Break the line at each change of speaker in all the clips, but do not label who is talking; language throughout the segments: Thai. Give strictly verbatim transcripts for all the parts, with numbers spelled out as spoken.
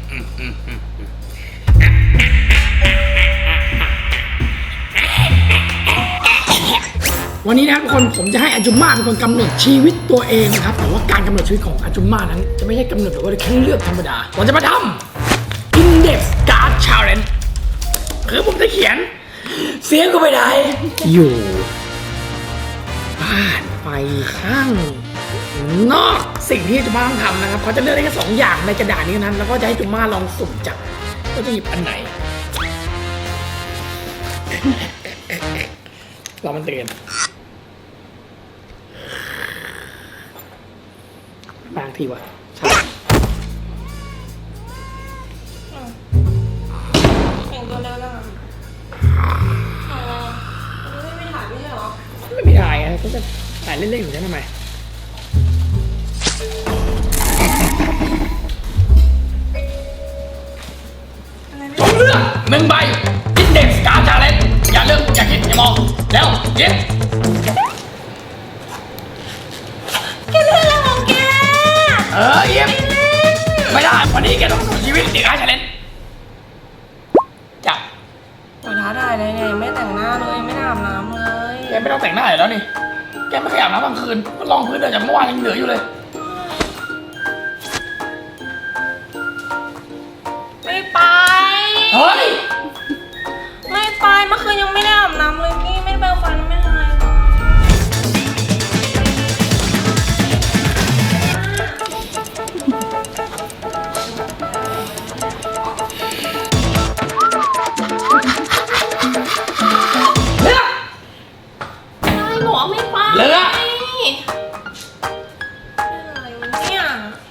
วันนี้นะครับทุกคนผมจะให้อาจุมม่าเป็นคนกำหนดชีวิตตัวเองนะครับแต่ว่าการกำหนดชีวิตของอาจุมม่านั้นจะไม่ใช่กำหนดแบบว่าแค่เลือกธรรมดาผมจะมาทำ Index Card Challenge คือผมจะเขียนเสียงก็ไม่ได้อยู่บ้านไปข้างนอกสิ่งที่อาจุมม่าต้องทำนะครับเขาจะเลือกได้แค่สองอย่างในกระดาษนี้นั้นแล้วก็จะให้อาจุมม่าลองสุ่มจับว่าจะหยิบอันไหนเรามันเตือนบางทีวะใช่
แต่งตัวเร็วจังอ่ะอ๋อไม่ไม่ถ่ายไม่ใช่เหรอ
ไม่มีถ่ายไงก็จะถ่ายเล่นๆอยู่นั่นทำไมผมเลือกหนึ่งใบ Index Card Challenge อย่าเลือกอย่าคิดอย่ามองแล้วเย็บ
แกเลือกอะไรของแก
เออเย็บไม่ได้วันนี้แกต้องสู้ชีวิตIndex Card Challengeจับ
โอ้ยท้าได้เลยเนี่ยไม่แต่งหน้าเลยไม่อาบน้ำเลย
แกไม่ต้องแต่งหน้าแล้วนี่แกไม่เคยอาบน้ำกลางคืนก็ลองพื้นเดินจากเมื่อวานยังเหลืออยู่เลย
ไม่ไป
เฮ้ย
ไม่ไปเมื่อคืนยังไม่ได้อาบน้ำเลยนี่ไม่แปรงฟันไม่ทำอะไร
เลือก
อะไรบอกไม่ไป
เลือก
อะไรวะเนี่ย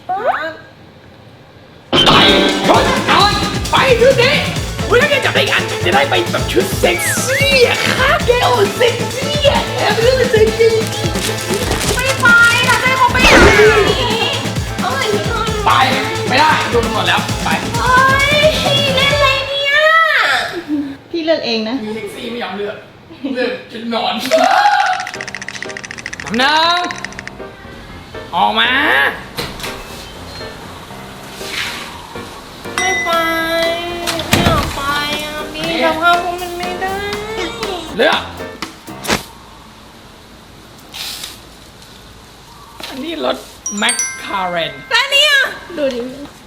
ไปชนเอาไปชุดนี้อุ้ยถ้าแกจับได้อีกอันจะได้ไปแบบชุดเซ็กซี่อะค่ะแกโอ้เซ็กซี่อะแอบเลือกเซ็กซี่
ไม่ไปถ้าได้เขาไปไหนเอาไหนที่นอน
ไปไม่ได้ดูกันหมดแล้วไป
เฮ้ยเล่นอะไรเนี่ย
พี่เลือกเองนะ
มีเซ็กซี่ไม่ยอมเลือกเลือกชุดนอนน้ำหนึ่งออกมา
ไม่ไปไม่อยากไปอ่ะพี่สภาพพวกมันไม่ได้
เลือกอันนี้รถแมคคาเรน
แล้วเนี่ยดูดิ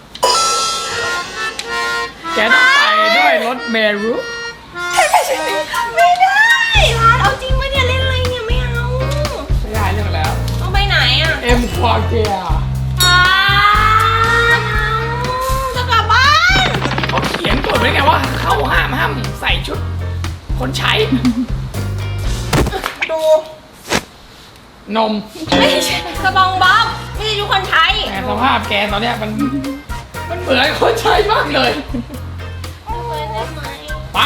แกต้องไปด้วยรถเมรุ
ไม่ได้ร้านเอาจริงปะเนี่ยเล่นอะไรเนี่ยไม่เอา
ไม่ได้เลือกแล้ว
ต้องไปไหนอ่ะ
เอ็มควาเกีย
อ่าจะกลับบ้าน
เขาเขียนกฎไว้ไงว่าเขาห้ามห้ามใส่ชุดคนใช้
ดู
นม
ไม่ใช่กระบองบ๊อบไม่ใช่ทุกคนใช้
แต่สภาพแกตอนเนี้ยมันมันเหมือนคนใช้มากเลยไป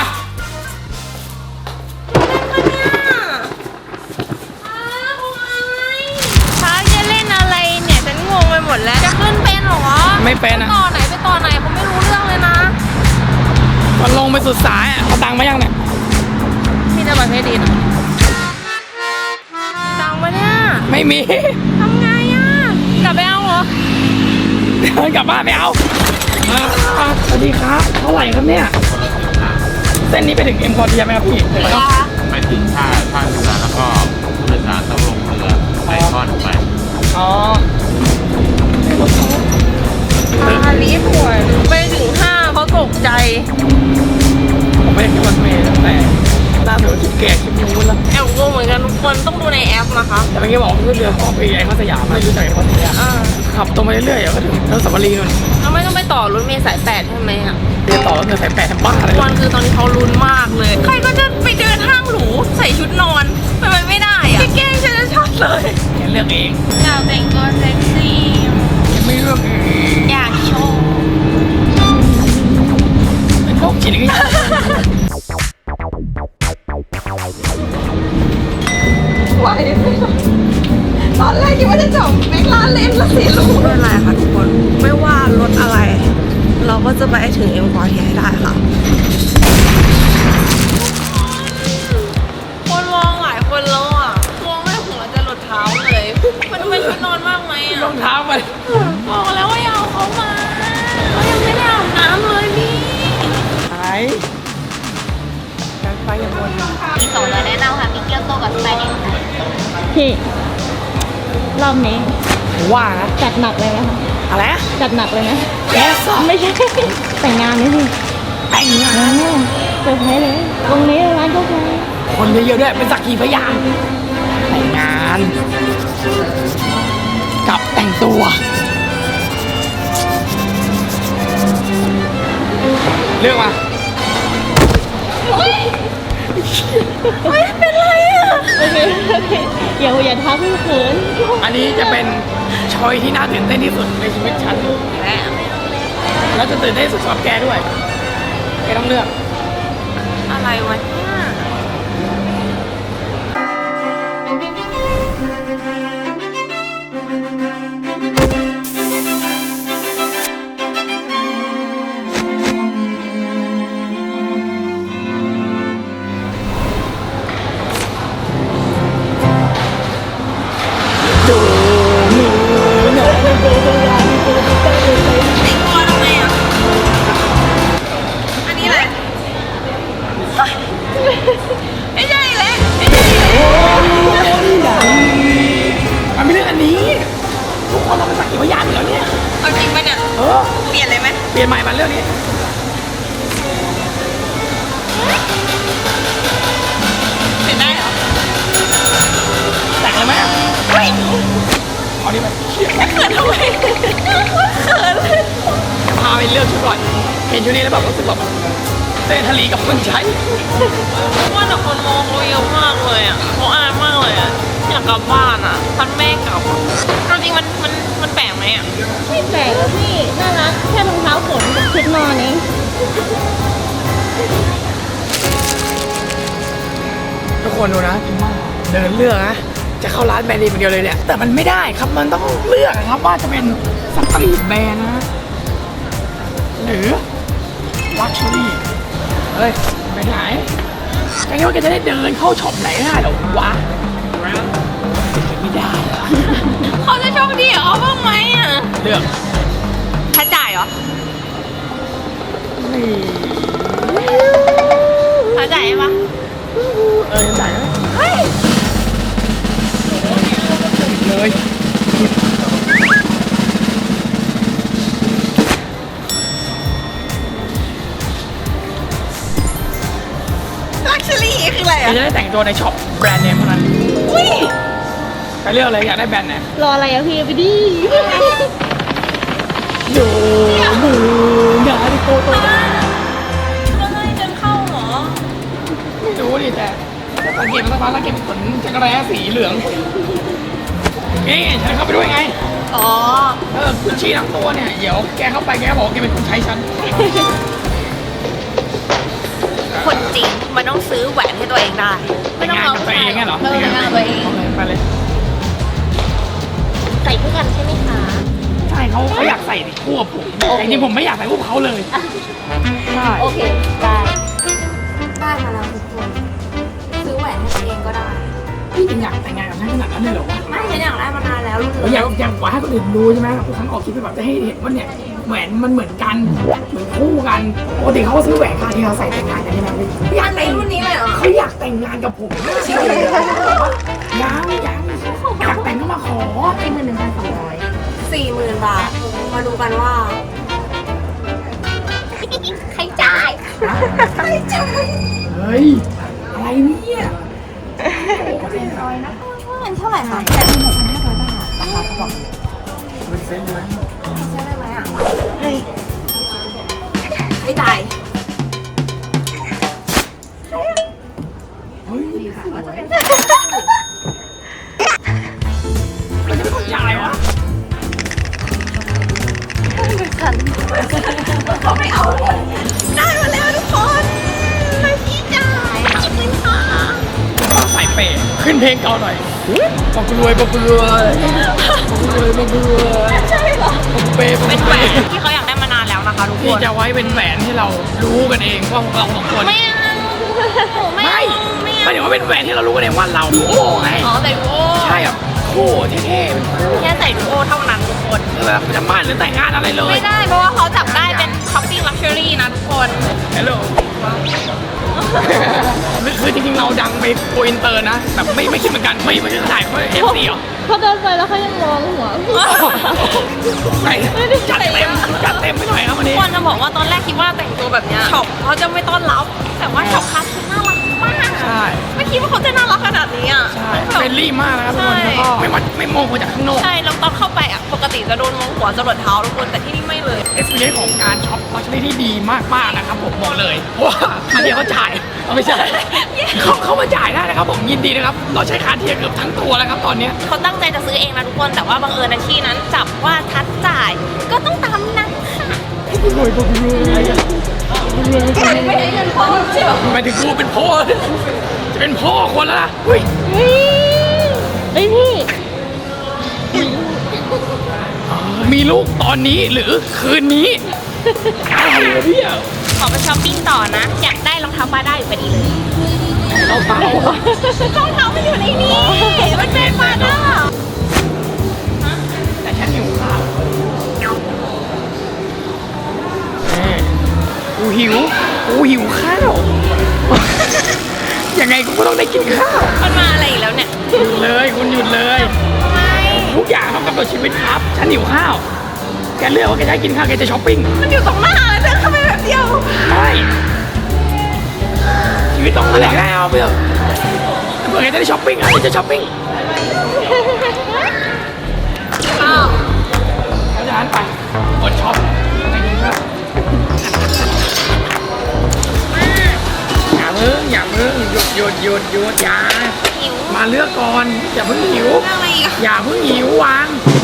ท้าจะเล่นอะไรเนี่ยฉันงงไปหมดแล้วจะขึ้นเป็นหรอ
ไม่เป็นอะ
ต่อไหนไปต่อไหนผมไม่รู้เรื่องเลยนะ
มันลงไปสุดสายอ่ะเขาตังค์มายังเนี่ย
มีแต่บัตรเครดิตอ่ะตังค์มาเนี่ย
ไม่มี
ทำไงอ่ะกลับไปเอาเหรอ
เดินกลับบ้านไม่เอาสวัสดีครับเท่าไหร่ครับเนี่ยเส้นนี้ไปถึงเอ็มพอร์เทียไหมครับพี่
ไปถึงท่าท่าเรือแล้วก็ผู้โดยสารต้องลงเรือไปทอดไป
อ๋อ
อาลีป่วยไปถึงห้าเขาตกใจ
ผมไม่ได้คิดว่าเมย์แต่ตาเสือคิดแก่คิดนู้นแล้ว
แอบงงเหมือนกันทุกคนต้องดูในแอปนะคะ
แต่เมื่อกี้บอกว่าเรือของไปไอ้ข้าสยามไม่รู้จักไอ้ข้าสยามขับตรงไปเรื่อยๆก็ถึงแล้วสัมภาระนู่น
เราไม่ต้องไปต่อรถเมล์สายแปดใช่ไหมอ่ะ
เรือต่อรถเมล์สายแปดทำบ้าอะไร
วันคือตอนนี้เขาลุ้นมากเลยใครก็จะไปเดินห้างหรูใส่ชุดนอนทำไมไม่ได้อ่ะแกล้งฉันจะช็อตเลย
แกเลือกเอง
อยากแต่งตัวเซ็กซี่
ยังไม่เลือกเอง
อยากโชว์
เป็นพวกจิตวิทยา
ไหวไหมตอนแรกคิดว่าจะจบแม็กลาเล่นแล้วสิลูก
ไม่เป็นไรค่ะทุกคนไม่ว่ารถอะไรเราก็จะไปถึงเอ็มพอร์เทียให้ได้ค่ะคนมองหลายคนแล้วอ่ะมองไม่หัวจะหลุดเท้าเลยมันดูเป็นชุดนอนมากไหมอ่ะ
รองเท้าไป
บอกแล้วว่าอย่าเอาเขามาเขายังไม่ได้อาบน้
พี่รอบนี้
ผมว่านะ
จัดหนักเลยไหมคะ
อะไรนะ
จัดหนักเลยไหม
แกสอ
ไม่ใช่ แต่งงานไหมพี่
แต่งงาน
งานเนี่ยเซอร์ไพรส์เลยตรงนี้ร้านกาแฟ
คนเยอะๆด้วย เป็นสักขีพยานแต่งงาน กับแต่งตัว เลือกมา
ไม่เป็นไรอ่ะโอเคโอเคอย่าอย่าทักพี่เขิน
อันนี้จะเป็นชอยที่น่าตื่นเต้นที่สุดในชีวิตฉันแล้วจะตื่นเต้นที่สุดสำหรับแกด้วย แกต้องเลือก
อะไรวะเนี่ย
ดูมือหน่อยดูดูดู
ไอ้ตัวทำไมอ่ะ อันนี้อะไรเฮ้ยไม่ใช่เลยไม่ใช่เลย
มันไม่เรื่องอันนี้ ทุกคนเราเป็นสักขีพยานเหรอเนี่ย
เอาจริงปะเนี่ย
เออ
เปลี่ยนเลยไหม
เปลี่ยนใหม่มาเรื่องนี้
เปลี่ยนได้เหรอ
แต่งเลยไหมอ่ะ
เฮ้ย
เอาดิไปเชี่ย
เขินทำไมเขิน
พาไปเลือกชุดก่อน เห็นชุดนี้แล้วแบบรู้สึกแบบเต้นทะลีกับคนใช้
ว่าแต่คนมองเราเยอะมากเลยอ่ะเขาอายมากเลยอ่ะ อยากกลับบ้านอ่ะพันแม่กลับอะเอาจริงมันมันมันแปลกไหมอ่ะ
ไม่แปลกอะพี่น่ารักแค่รองเท้าฝนกับชุดนอนเอง
ทุกคนดูนะพิมพ์เดินเลือกนะ จะเข้าร้านแบรนด์เนมอย่างเดียวเลยเนี่ย แต่มันไม่ได้ครับ มันต้องเลือกครับว่าจะเป็นสตรีทแบรนด์นะ หรือลักชัวรี่เฮ้ย ไปไหนแกคิดว่าแกจะได้เดินเข้าช็อปไหนได้เหรอวะไม่ได้เหรอ
เขาจะโชคดีเหรอบ้างไหมอ่ะ
เลือก
ค่าจ่ายเหรอ
นี่
ค่าจ่ายปะ
เออยังจ่ายไหมเฮ้ยเลย
ลักชัวรี่คืออะไร
แก
อ่ะ
จะได้แต่งตัวในช็อปแบรนด์เนมเท่านั้น
อุ้ย
ไปเลือกเลยอยากได้แบรนด์ไหน
รออะไรอะพี่ไปดิ
โยมืองานที่โกโต
ก็ให้เดินเข้าเหรอ
ไม่รู้ดิแต่แต่สังเกตมาสักพักแล้วเก็บขนจักรแร้สีเหลืองนี่ฉันเข้าไปด้วยไง
อ๋อ
เออกุชชี่ทั้งตัวเนี่ย เดี๋ยวแกเข้าไปแกบอกว่าแกเป็นคนใช้ฉัน
คนจริงมันต้องซื้อแหวนให้ตัวเองได้
แต่งงานกับตัวเองไงเหรอ
เออแต่งงานกับตัวเอง
ไปเลย
ใส่คู่กันใช่ไหมคะ
ใช่เขาเขาอยากใส่คู่กับผมแต่จริงๆผมไม่อยากใส่คู่กับเขาเลยใช่
โอเคได้
ได้มาแล้วทุกคน ซื้อแหวนให้ตัวเองก็ได้
พี่จริงอยากแต่งงานกับฉันขนาดนั้นเลยเหรอวะ
ไม่ฉันอยากได้มานานแล้วลูก
เราอยากอยากกว่าให้คนอื่นดูใช่ไหมทุกครั้งออกคลิปไปแบบจะให้เห็นว่าเนี่ยแหวนมันเหมือนกันเหมือนคู่กันปกติเขาก็ซื้อแหวนคาที่เขาใส่แต่งงานกันใช่ไหมพี่อยากแต่ง
รุ่นนี้เลยเหรอ
เขาอยากแต่งงานกับผมไม่ใช่เลยยังยังอยากแต่งก็มาขอ
เป็นหมื่นหนึ่งพันสองร้อย
สี่หมื่นบาท มาดูกันว่า ใครจ่าย ใครจ่าย
เฮ้ยอะไรเนี่ย
เงินเท่าไหร่คะ
เป็นเส้นเลย
ใช้ได้ไหมอ่ะไม่จ่าย
เฮ้ยมันจะเป็นคนจ่ายวะ
เขาไม่เอา ได้มาแล้วทุกคนให้พี่จ่ายขอบคุณค่ะ
ต้องใส่เปย์ขึ้นเพลงเก่าหน่อยบอกรวยบอกรวยบอกรวยบอกรวยใช่เหรอบอกเปย์บอก
เป็น
เป
แหวน
ย์
ที่เขาอยากได้มานานแล้วนะคะทุกค
ที่
น
จะไว้เป็นแหวนที่เรารู้กันเองว่าพวกเราสองคน
ไม่เอาไม่
ไม่
เอาไม่
ไม่
เอา
เดี๋ยวว่าเป็นแหวนที่เรารู้กันเองว่าเราดูโอ้ไง
อ๋อใส่ดูโอ
ใช่แบบคู่เท่ๆเป็นคู่
แค่ใส่ดูโอเท่านั้นทุกคน
แบบจะมั่นหรือแต่งงานอะไรเลย
ไม่ได้เพราะว่าเขาจับได้เป็นช้อปปิ้งลักชัวรี่นะทุกคน
ฮัลโหลคือจริงๆเราดังไปโกอินเตอร์นะแบบไม่ไม่คิดเหมือนกันไม่ไม่ใช่ถ่ายเขาเอฟซีเหรอ
เขาเดินไปแล้วเขายังมองหัว
ไปจัดเต็มจัดเต็มไปหน่อยครับวันนี้
ควรจะบอกว่าตอนแรกคิดว่าแต่งตัวแบบเนี้ยช็อปเขาจะไม่ต้อนรับ แต่ว่าช็อปคัสคือน่ารักมาก
ใช่
ไม่คิดว่าเขาจะน่ารักขนาดนี้อ่ะ
ใช่เฟรนลี่มากนะครับทุกคนแล้วก็ไม่วัดไม่มองมาจากข้างนอก
ใช่แล้วตอนเข้าไปอ่ะปกติจะโดนมองหัวจรดเท้าทุกคนแต่ที่นี่ไม่เลย
เอสพีเอของการช็อปลักชัวรี่ที่ดีมากๆนะครับผมบอกเลยเพราะว่าอันเดียวเขาจ่ายเอาไม่ใช่เขาเขามาจ่ายได้นะครับผมยินดีนะครับเราใช้คาเทียเกือบทั้งตัวแล้วครับตอนเนี้ย
เขาตั้งใจจะซื้อเองนะทุกคนแต่ว่าบังเอิญในที่นั้นจับว่าทัดจ่ายก็ต้องตามนั้นค่ะ
รวยก็รวย
ไม่ได้เงินพอใช่ไหม
หมายถึงกูเป็นพ่อจะเป็นพ่อคนแล้วนะเฮ้ย
เฮ้ยพี่
มีลูกตอนนี้หรือคืนนี้อะไรวะเนี่ย
ขอไปช้อปปิ้งต่อนะ อยากได้รองเท้าปาด้าอยู่พอดีเลย
เราเปล่าร
องเท้ามันอยู่ในนี้มันเป็นปาด้า
แต่ฉันหิวข้าวแม่กูหิวกูหิวข้าว ยังไงกูก็ต้องได้กินข้าว
มันมาอะไรอีกแล้วเนี่ย
หยุดเลยคุณหยุดเลย
ไม่
ทุกอย่างต้องกำหนดชีวิตครับ ฉันหิวข้าว แกเลือกว่าแกจะให้กินข้าวแกจะช้อปปิ้ง
มันอยู่ตรงหน้าเลยเดินเข้าไปแบบเดียว
ไม่ชีวิตต้องแลกให้เอาไปเถอะเผื่อแกจะได้ช้อปปิ้งอ่ะแกจะช้อปปิ้ง
อ้าว
เพราะฉะนั้นไปกดช็อปไปกินข้าวอย่าเพิ่งอย่าเพิ่งหยุดหยุดหยุดหยุดอย่า
หิว
มาเลือกก่อนอย่าเพิ่งหิว
เรื่องอะไรอีกอะ
อย่าเพิ่งหิววาง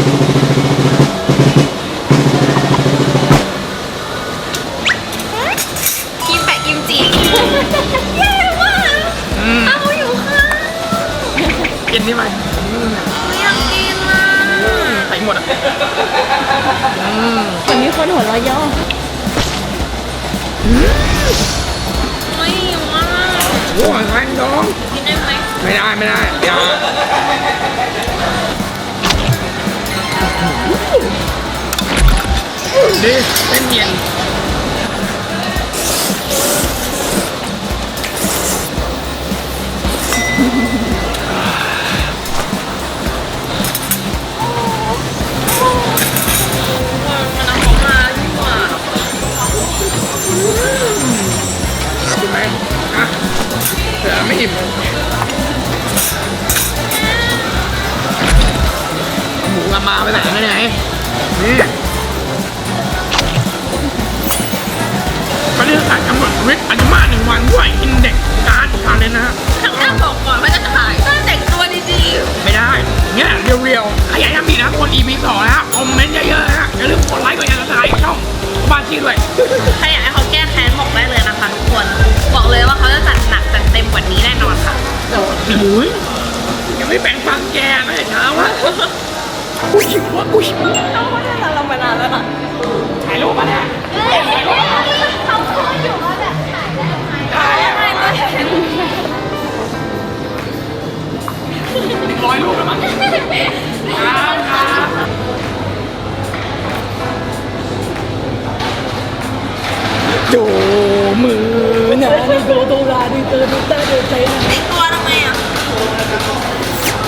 กินแปะกิมจิแย่มาก
อืม
เอาอยู่ค่ะ
กินนี่ไหมอืม
ไม่อยากกินอ่ะ
ไปหมดอ่ะอืม
เหมือนมีคนหัวเราะย่อ
ไม่หิวอ่ะ
โอ้ยแทงดอง
กินได้ไหม
ไม่ได้ไม่ได้อย่าดิเส้นเย็น
มันเอาของมาดีกว่า
กินไหมอ่ะเสือไม่อิ่มหมูกระมาไปไหนกันเนี่ยนี่ก็เรื่องการกำหนดชีวิตอายุมาหนึ่งวันด้วยอินเด็กซ์การ์ดการเลยนะฮะ
ทางหน้าบอกก่อนว่าจะขายต้องแต่งตัวดี
ไม่ได้เนี่ยเรียวๆใครอยากทำดีนะกด อี พี สองนะฮะคอมเมนต์เยอะๆนะฮะอย่าลืมกดไลค์กดแชร์กดติดตามช่องบ้านที่ด้วย
ๆถ้าอยากให้เขาแก้แค้นบอกได้เลยนะคะทุกคน บอกเลยว่าเขาจะจัดหนักจัดเต็มกว่านี้แน่นอนค่ะ
โอ้ยยังไม่แบ่งฟังแกไม่เช้าวะกูหิววะกูหิว
เขาไม่ได้เรามานานแล้วนะ
ถ่ายรูปมาเนี่ยถ่ายรูปมา
เขาพูดอยู่ว่าแบบถ่ายได้ไหม
ถ่ายอะร้อยรูปแล้วมั้งครับครับโจมือนะนี่โดโดราดีเตอร์ดูตาเดือดใจนะ